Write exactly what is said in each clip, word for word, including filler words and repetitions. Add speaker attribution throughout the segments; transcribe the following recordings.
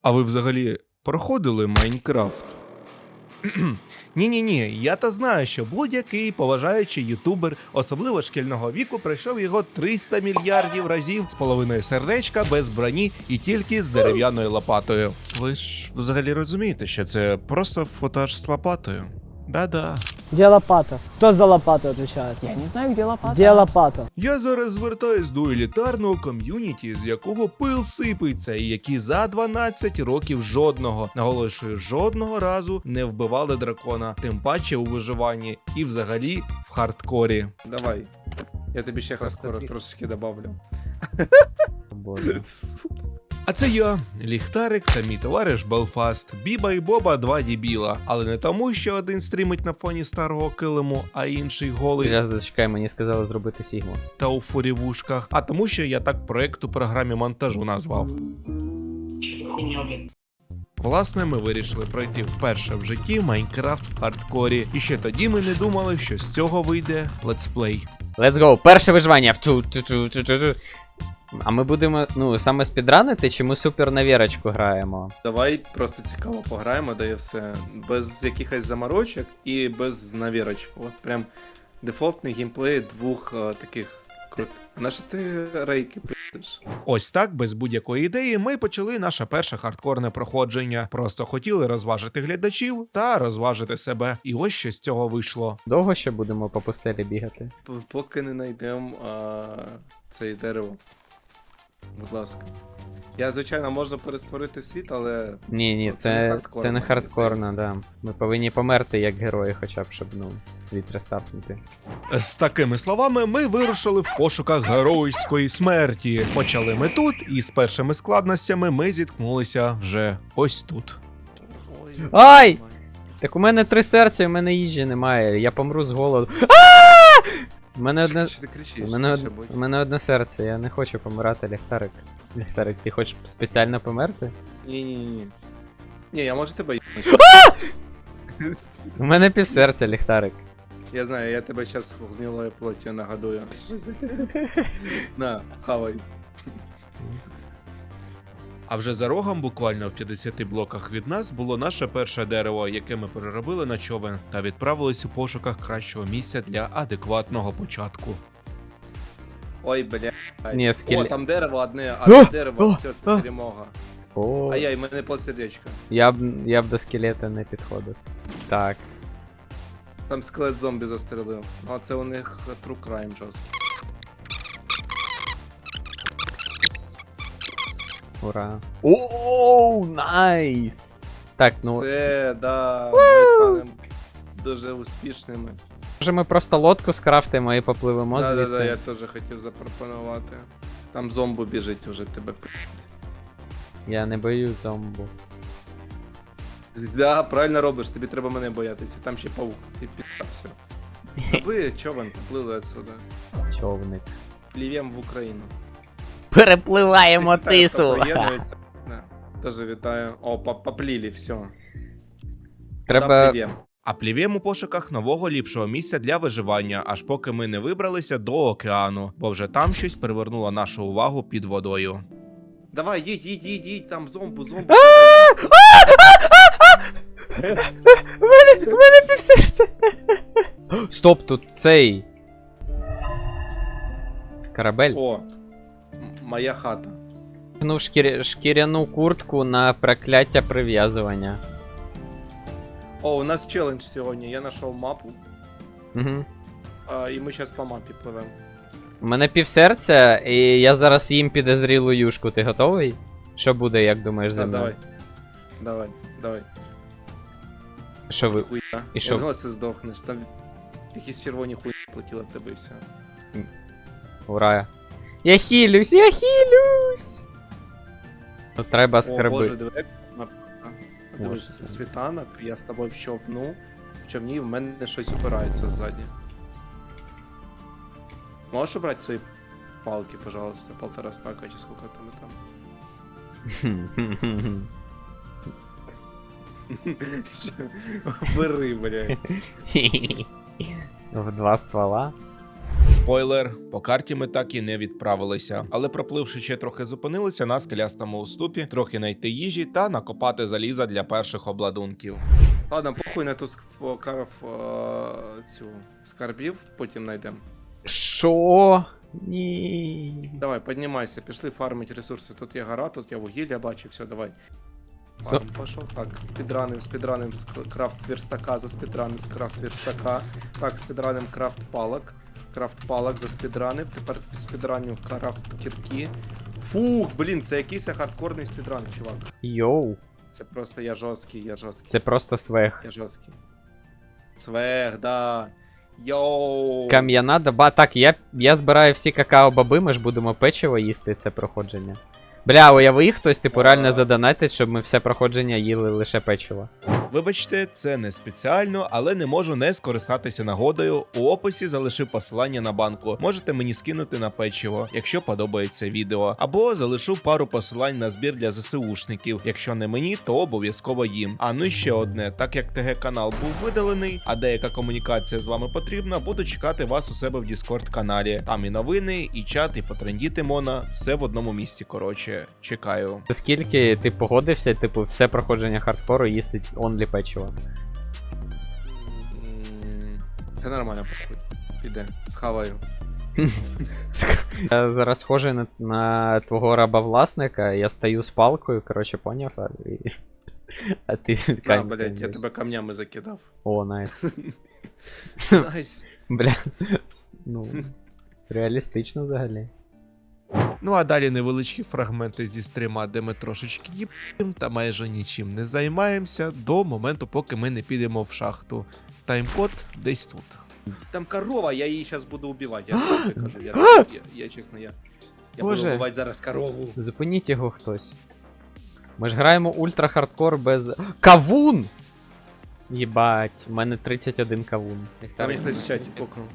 Speaker 1: А ви взагалі проходили Майнкрафт? Ні-ні-ні, я та знаю, що будь-який поважаючий ютубер, особливо шкільного віку, пройшов його триста мільярдів разів з половиною сердечка, без броні і тільки з дерев'яною лопатою. Ви ж взагалі розумієте, що це просто футаж з лопатою? Да-да.
Speaker 2: Где лопата? Кто за лопату отвечает?
Speaker 3: Я не знаю, где лопата.
Speaker 2: Где лопата?
Speaker 1: Я зараз звертаюсь до елітарного ком'юніті, з якого пил сипеться, і які за дванадцять років жодного, наголошую, жодного разу не вбивали дракона, тим паче у виживанні і взагалі в хардкорі. Давай, я тобі ще хардкору трошечки добавлю.
Speaker 3: Боже.
Speaker 1: А це я, Ліхтарик та мій товариш Белфаст, Біба і Боба два дібіла, але не тому, що один стрімить на фоні старого килиму, а інший голий
Speaker 3: Зараз зачекай, мені сказали зробити Сігму.
Speaker 1: та у фурівушках, а тому, що я так проект у програмі монтажу назвав. Власне, ми вирішили пройти вперше в житті Майнкрафт в хардкорі, і ще тоді ми не думали, що з цього вийде летсплей.
Speaker 3: Let's go! Перше виживання! Вчу-чу-чу-чу-чу. А ми будемо, ну, саме спідранити, чи ми супер на вірочку граємо?
Speaker 1: Давай просто цікаво пограємо, да і все. Без якихось заморочок і без навірочку. От прям дефолтний геймплей двох а, таких крут. На що ти рейки пишеш? Ось так, без будь-якої ідеї, ми почали наше перше хардкорне проходження. Просто хотіли розважити глядачів та розважити себе. І ось що з цього вийшло.
Speaker 3: Довго ще будемо по пустелі бігати?
Speaker 1: П- Поки не знайдемо це дерево. Будь ласка. Я, звичайно, можна перестворити світ, але.
Speaker 3: Ні, ні,
Speaker 1: Ну, це не
Speaker 3: це,
Speaker 1: хардкорно,
Speaker 3: це не
Speaker 1: мені
Speaker 3: хардкорно,
Speaker 1: здається.
Speaker 3: да. Ми повинні померти як герої, хоча б, щоб, ну, світ рестартнути.
Speaker 1: З такими словами ми вирушили в пошуках геройської смерті. Почали ми тут, і з першими складностями ми зіткнулися вже ось тут.
Speaker 3: Ай! Так у мене три серця, і у мене їжі немає, я помру з голоду. У мене одне.
Speaker 1: Що ти кричиш?
Speaker 3: У мене,
Speaker 1: Що
Speaker 3: од...
Speaker 1: будь?
Speaker 3: у мене одне серце, я не хочу помирати, Ліхтарик. Ліхтарик, ти хочеш спеціально померти?
Speaker 1: Ні-ні-ні. Ні, я можу тебе їбнути.
Speaker 3: У мене півсерця, Ліхтарик.
Speaker 1: Я знаю, я тебе зараз гнилою плоттю нагодую. На, хавай. А вже за рогом, буквально в п'ятдесяти блоках від нас, було наше перше дерево, яке ми переробили на човен та відправились у пошуках кращого місця для адекватного початку. Ой, бля.
Speaker 3: Ні, скеле-
Speaker 1: О, там дерево одне,
Speaker 3: О!
Speaker 1: одне дерево,
Speaker 3: О!
Speaker 1: все, це
Speaker 3: О!
Speaker 1: перемога.
Speaker 3: О,
Speaker 1: А я, і мене полсердечка.
Speaker 3: я б, я б до скелета не підходив. Так.
Speaker 1: Там скелет зомбі застрелив. А це у них true crime жорсткий.
Speaker 3: Ура. Оу, найс! Так, ну,
Speaker 1: Все, да, ми станемо дуже успішними.
Speaker 3: може ми просто лодку скрафтимо і попливемо
Speaker 1: Да, да,
Speaker 3: звідси.
Speaker 1: да, я теж хотів запропонувати. Там зомбу біжить уже тебе.
Speaker 3: Я не боюсь зомбу.
Speaker 1: Да, правильно робиш, тобі треба мене боятися. Там ще паук, ти підстався. Ви човен поплили отсюда.
Speaker 3: Човник.
Speaker 1: Плів'єм в Україну.
Speaker 3: Перепливаємо
Speaker 1: Це Китай, хто
Speaker 3: тису!
Speaker 1: приєднується. Да. Тоже вітаю. О, по- поплили, все.
Speaker 3: Треба.
Speaker 1: А плів'єм у пошуках нового ліпшого місця для виживання, аж поки ми не вибралися до океану, бо вже там щось привернуло нашу увагу під водою. Давай, їдь, їдь, їдь, їдь, там зомбу, зомбу.
Speaker 3: У мене, у мене півсерця! Стоп, тут цей. Корабель.
Speaker 1: О, м- моя хата.
Speaker 3: Ну, шкір... шкіряну куртку на прокляття прив'язування.
Speaker 1: О, у нас челендж сьогодні. Я знайшов мапу,
Speaker 3: Угу.
Speaker 1: а, і ми зараз по мапі пливемо.
Speaker 3: У мене півсерця, і я зараз їм підозрілу юшку. Ти готовий? Що буде, як думаєш, зі
Speaker 1: Да,
Speaker 3: мною?
Speaker 1: давай. Давай, давай.
Speaker 3: Що ви.
Speaker 1: Хуйня.
Speaker 3: І що?
Speaker 1: Ого, це здохнеш. Там якісь червоні хуй платіли в тебе і все.
Speaker 3: Ура. Я хілюсь, я хілюсь! Тут треба
Speaker 1: О, боже,
Speaker 3: скарби.
Speaker 1: диви. Дивись,
Speaker 3: Ось.
Speaker 1: світанок, я з тобою в човну. В човні в мене щось упирається ззаді. Можеш убрати свої палки, пожалуйста, полтора стака чи сколько там і там. Бери, блядь.
Speaker 3: В два ствола.
Speaker 1: З
Speaker 4: Спойлер, по карті ми так і не відправилися. Але пропливши ще трохи зупинилися на скелястому уступі, трохи знайти їжі та накопати заліза для перших обладунків.
Speaker 1: Ладно, похуй на ту ск- карф, е, цю скарбів, потім знайдемо.
Speaker 3: Що? Ні.
Speaker 1: Давай, піднімайся, пішли фармити ресурси. Тут є гора, тут є вугілля, бачу, все, давай.
Speaker 3: Зо-
Speaker 1: Фарм пошов. Так, спідраним, спідраним з к- крафт верстака, за спідраним з крафт верстака. Так, спідраним крафт палок. Крафт палок за спідранив. Тепер спідраню крафт кірки. Фух, блін, це якийсь хардкорний спідран, чувак.
Speaker 3: Йоу.
Speaker 1: Це просто я жорсткий, я жорсткий,
Speaker 3: Це просто свех.
Speaker 1: я жорсткий. Свех, да. Йоу.
Speaker 3: Кам'яна доба. Так, я, я збираю всі какао-баби, ми ж будемо печиво їсти це проходження. Бля, уяви, хтось, типу, реально задонатить, щоб ми все проходження їли лише печиво.
Speaker 4: Вибачте, це не спеціально, але не можу не скористатися нагодою. У описі залишив посилання на банку. Можете мені скинути на печиво, якщо подобається відео. Або залишу пару посилань на збір для ЗСУшників. Якщо не мені, то обов'язково їм. А ну і ще одне, так як ТГ канал був видалений, а деяка комунікація з вами потрібна, буду чекати вас у себе в Discord каналі. Там і новини, і чат, і потрендіти мона. Все в одному місці, коротше. Чекаю.
Speaker 3: Скільки ти погодився, типу, все проходження хардкору їстить онлі печиво?
Speaker 1: М, Це нормально, похуй. Піде, схаваю.
Speaker 3: Я зараз схожий на, на твого раба-власника, я стою з палкою, коротше, поняв, а, і... а ти
Speaker 1: А,
Speaker 3: камінь
Speaker 1: блядь, я
Speaker 3: б'єш.
Speaker 1: тебе камнями закидав.
Speaker 3: О, найс.
Speaker 1: Найс.
Speaker 3: Бля, с- ну, реалістично взагалі.
Speaker 4: Ну а далі невеличкі фрагменти зі стрима, де ми трошечки їб'ємо та майже нічим не займаємося до моменту, поки ми не підемо в шахту. Таймкод десь тут.
Speaker 1: Там корова, я її зараз буду убивати. Я тобі кажу, я, я, я чесно, я. Я
Speaker 3: Боже.
Speaker 1: буду вбивати зараз корову.
Speaker 3: Зупиніть його хтось. Ми ж граємо ультра хардкор без. Кавун! Єбать, у мене тридцять один кавун.
Speaker 1: Там їх хтось в чаті покнув.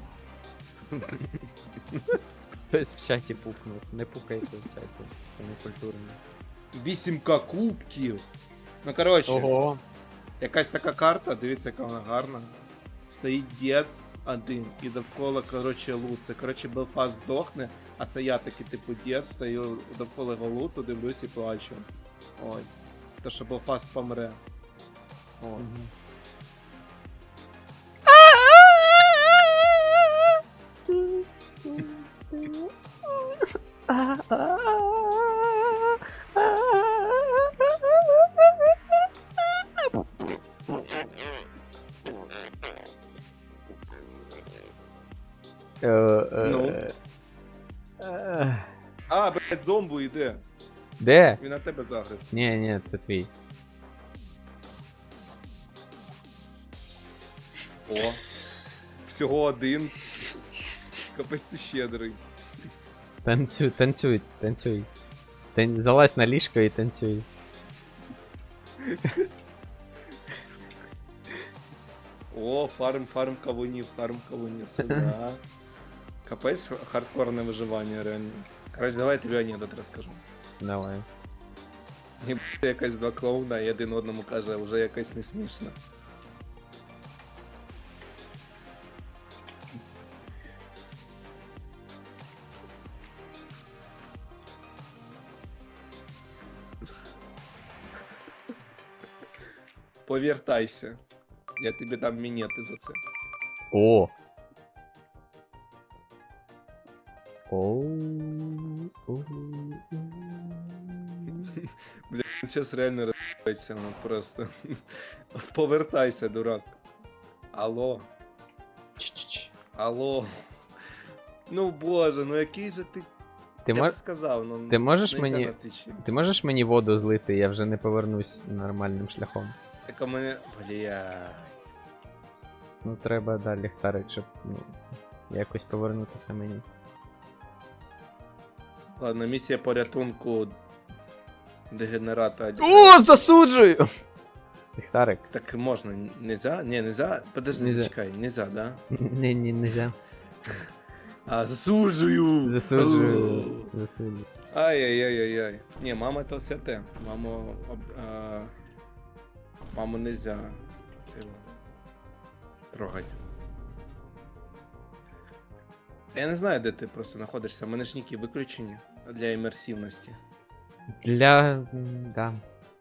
Speaker 3: Хтось в чаті пукнув. Не пукайте в чаті. Це не культурно.
Speaker 1: вісім ка кубків. Ну коротше,
Speaker 3: Ого.
Speaker 1: якась така карта, дивіться, яка вона гарна. Стоїть дід один і довкола, коротше, лут. Це, коротше, Белфаст здохне, а це я такий, типу, дід, стою довкола його луту, дивлюсь і плачу. Ось. То, що Белфаст помре. О.
Speaker 3: Е, е,
Speaker 1: Ну?
Speaker 3: е,
Speaker 1: А, блядь, зомбу йде.
Speaker 3: Де?
Speaker 1: Він на тебе загрився.
Speaker 3: Ні, ні, це твій.
Speaker 1: О. Всього один. Капець ти щедрий.
Speaker 3: Танцюй, танцюй, танцюй. Тан... Залазь на ліжко і танцюй.
Speaker 1: О, фарм, фарм кавунів, фарм кавунів, сюда. Капець хардкорне виживання, реально. Короче, давай я тобі анекдот розкажу.
Speaker 3: Давай.
Speaker 1: І якась два клоуна і один одному каже, вже якось не смішно. Повертайся. Я тобі дам мінети за це.
Speaker 3: О. Оу. Оу.
Speaker 1: Бля, зараз реально розбирається, ну просто. Повертайся, дурак. Алло,
Speaker 3: Ч-ч-ч.
Speaker 1: алло. Ну боже, ну який же ти.
Speaker 3: Ти,
Speaker 1: Я
Speaker 3: мож...
Speaker 1: б сказав, ну.
Speaker 3: Ти можеш
Speaker 1: нельзя
Speaker 3: мені-
Speaker 1: на Твічі.
Speaker 3: Ти можеш мені воду злити, я вже не повернусь нормальним шляхом.
Speaker 1: Так у мене. Бля.
Speaker 3: Ну треба далі ліхтарик, щоб ну, якось повернутися мені.
Speaker 1: Ладно, місія порятунку дегенерата.
Speaker 3: О, засуджую! Ліхтарик.
Speaker 1: Так можна, нельзя? Не, нельзя? Подожди,
Speaker 3: Нельзя.
Speaker 1: чекай, нельзя, да?
Speaker 3: Не, не, нельзя.
Speaker 1: А, засуджую!
Speaker 3: Засуджую. Засуджую.
Speaker 1: Ай-яй-яй-яй-яй. Не, мама это святе. Маму... об- а, Маму нельзя цього трогать. Я не знаю, де ти просто знаходишся, в мене ж ніки виключені для імерсивності.
Speaker 3: Для. м, Да.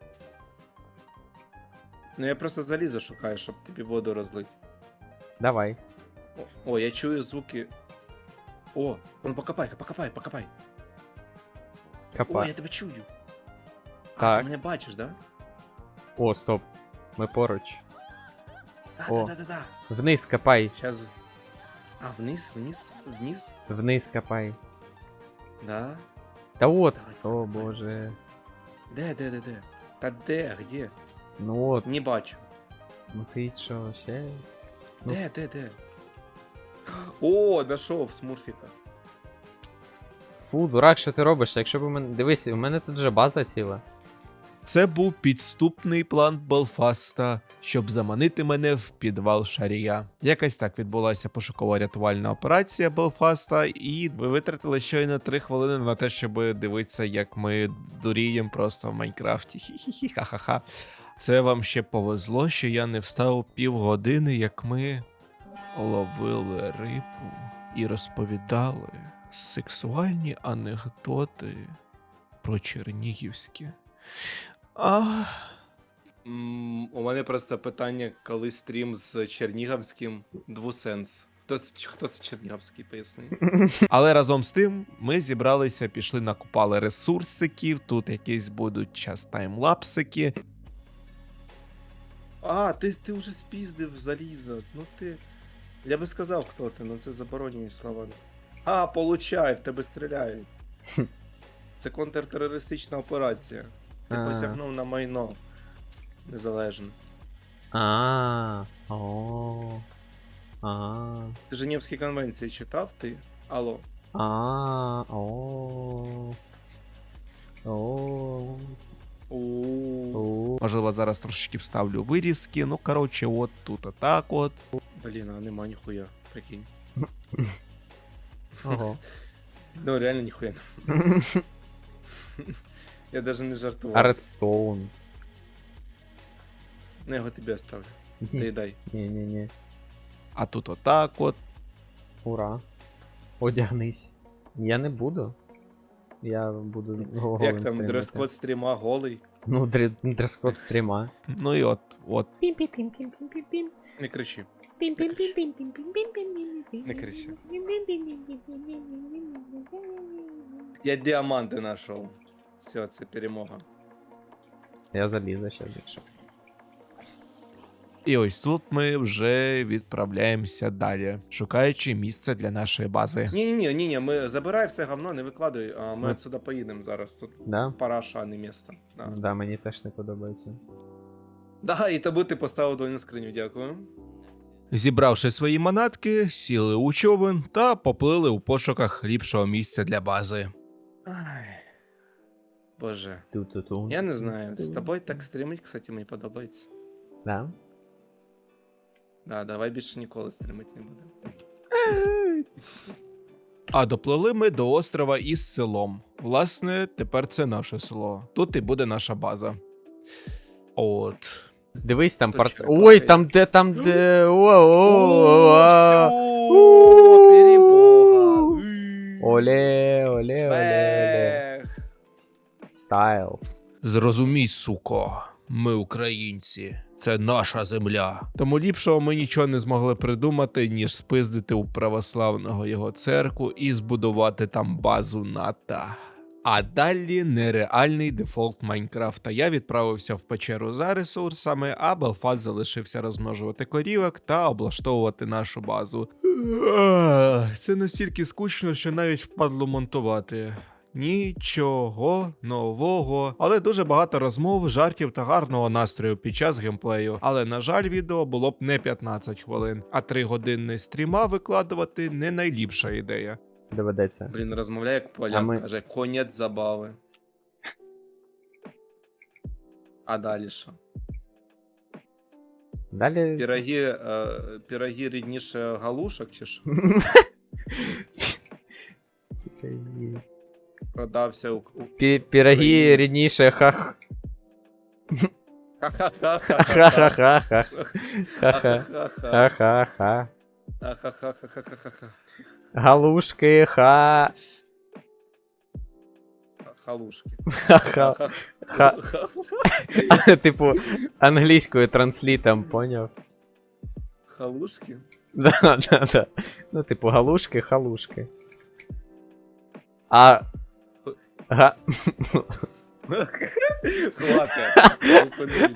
Speaker 1: Ну я просто залізо шукаю, щоб тобі воду розлити.
Speaker 3: Давай.
Speaker 1: О, о, я чую звуки. О, ну покопай, покопай, покопай. О,
Speaker 3: Капа.
Speaker 1: я тебе чую. А,
Speaker 3: Так.
Speaker 1: ти мене бачиш, да?
Speaker 3: О, стоп. Ми поруч.
Speaker 1: Да,
Speaker 3: О.
Speaker 1: да, да, да, да.
Speaker 3: Вниз копай.
Speaker 1: Сейчас. А, вниз, вниз, вниз?
Speaker 3: Вниз копай.
Speaker 1: Да.
Speaker 3: Та от.
Speaker 1: Давай,
Speaker 3: О
Speaker 1: копай.
Speaker 3: боже.
Speaker 1: Де, де, де, де? Та де, где?
Speaker 3: Ну от.
Speaker 1: Не бачу.
Speaker 3: Ну ти що, ще? Ну.
Speaker 1: Де, де, де? О, дошов смурфіка.
Speaker 3: Фу, дурак, що ти робиш? Якщо б у мене. Дивись, у мене тут вже база ціла.
Speaker 4: Це був підступний план Белфаста, щоб заманити мене в підвал Шарія. Якось так відбулася пошуково-рятувальна операція Белфаста, і ви витратили щойно три хвилини на те, щоб дивитися, як ми дуріємо просто в Майнкрафті. Хі-хі-хі, ха-ха-ха. Це вам ще повезло, що я не встав півгодини, як ми ловили рибу і розповідали сексуальні анекдоти про чернігівське. А...
Speaker 1: М, У мене просто питання, коли стрім з Чернігівським двусенс. Хто це, хто це Чернігівський, поясни?
Speaker 4: Але разом з тим ми зібралися, пішли, накупали ресурсиків, тут якісь будуть час таймлапсики.
Speaker 1: А, ти, ти вже спіздив залізо. Ну ти. Я би сказав, хто ти, ну це заборонені слова. А, получай, в тебе стріляють. Це контртерористична операція. Ти
Speaker 3: А.
Speaker 1: посягнув на майно. Незалежне.
Speaker 3: А. О. А.
Speaker 1: Ти Женевські конвенції читав ти? Алло.
Speaker 3: А. О. О.
Speaker 1: У.
Speaker 3: О.
Speaker 4: Можливо, зараз трошечки вставлю вирізки. Ну, коротше, от тут отак от.
Speaker 1: Блін, а нема ніхуя. Прикинь.
Speaker 3: Ого.
Speaker 1: Ну реально ніхуя. Я даже не жартував.
Speaker 3: А Редстоун.
Speaker 1: Ну, я його тобі оставлю.
Speaker 3: Ні,
Speaker 1: Доїдай.
Speaker 3: ні, ні, ні.
Speaker 4: А тут отак от.
Speaker 3: Ура. Одягнись. Я не буду. Я буду голим
Speaker 1: Як там
Speaker 3: стрімити.
Speaker 1: дрес-код стріма голий?
Speaker 3: Ну, дре- дрес-код стріма.
Speaker 4: Ну і от, от.
Speaker 1: Не кричи. Не кричи. Я діаманти знайшов. Все, це перемога.
Speaker 3: Я залізу ще більше.
Speaker 4: І ось тут ми вже відправляємося далі, шукаючи місце для нашої бази.
Speaker 1: Ні-ні-ні, ні-ні, ми забирай все говно, не викладуй, а ми
Speaker 3: Ну.
Speaker 1: отсюда поїдемо зараз. Тут
Speaker 3: Да?
Speaker 1: параша, а не місто. Да.
Speaker 3: Да, мені теж не подобається.
Speaker 1: Да, і тобі ти поставив двойну скриню, дякую.
Speaker 4: Зібравши свої манатки, сіли у човен та поплили у пошуках ліпшого місця для бази.
Speaker 1: Ай. Боже.
Speaker 3: Ту-ту-ту.
Speaker 1: Я не знаю, з тобою так стрімить, кстати, мені подобається.
Speaker 3: Да?
Speaker 1: Да, давай більше ніколи стрімити не будемо.
Speaker 4: А доплили ми до острова із селом. Власне, тепер це наше село. Тут і буде наша база. От.
Speaker 3: Дивись, там
Speaker 1: Тут
Speaker 3: порт...
Speaker 1: черепахи
Speaker 3: Ой,
Speaker 1: є.
Speaker 3: там де, там де...
Speaker 1: О,
Speaker 3: О-о-о-о.
Speaker 1: всьо, перемога.
Speaker 3: Оле, оле, оле, оле.
Speaker 1: Смех.
Speaker 3: Стайл.
Speaker 4: Зрозумій, суко, ми українці. Це наша земля. Тому ліпшого ми нічого не змогли придумати, ніж спиздити у православного його церкву і збудувати там базу НАТО. А далі нереальний дефолт Майнкрафта. Я відправився в печеру за ресурсами, а Белфаст залишився розмножувати корівок та облаштовувати нашу базу. Ах, це настільки скучно, що навіть впадло монтувати. Нічого нового, але дуже багато розмов, жартів та гарного настрою під час геймплею. Але на жаль, відео було б не п'ятнадцять хвилин, а три години стріма викладувати не найліпша ідея.
Speaker 3: Доведеться.
Speaker 1: Блін, розмовляє як
Speaker 3: А
Speaker 1: поляк,
Speaker 3: ми-
Speaker 1: каже, конець забави. А далі що?
Speaker 3: Далі...
Speaker 1: Піроги, е, піроги рідніше галушок чи що? Продався у... у...
Speaker 3: Пі- Піроги рідніше, хах.
Speaker 1: Ха-ха-ха-ха.
Speaker 3: Ха-ха-ха-ха. Ха-ха.
Speaker 1: Ха-ха-ха.
Speaker 3: Ха-ха-ха.
Speaker 1: Ха-ха-ха-ха-ха-ха.
Speaker 3: Галушки, ха.
Speaker 1: Халушки.
Speaker 3: Ха-ха. Ха. Типу, англійською транслітом, поняв?
Speaker 1: Халушки?
Speaker 3: Да, да, да. Ну, типу, галушки, халушки. А. Га.
Speaker 1: Хватить. Зупинись.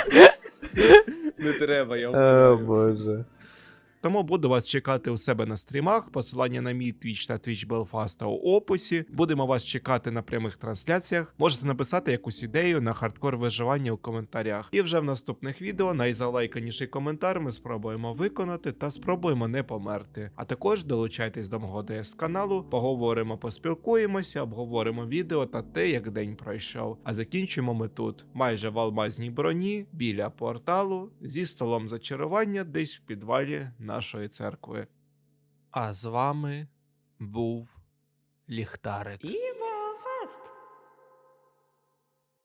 Speaker 1: Не треба, я
Speaker 3: О,
Speaker 1: вбиваю.
Speaker 3: боже.
Speaker 4: Тому буду вас чекати у себе на стрімах. Посилання на мій Twitch та Twitch Belfast у описі. Будемо вас чекати на прямих трансляціях. Можете написати якусь ідею на хардкор виживання у коментарях. І вже в наступних відео найзалайканіший коментар ми спробуємо виконати та спробуємо не померти. А також долучайтесь до мого ДС каналу, поговоримо, поспілкуємося, обговоримо відео та те, як день пройшов. А закінчимо ми тут, майже в алмазній броні, біля порталу, зі столом зачарування десь в підвалі нашої церкви. А з вами був Ліхтарик.
Speaker 5: Evil Fest.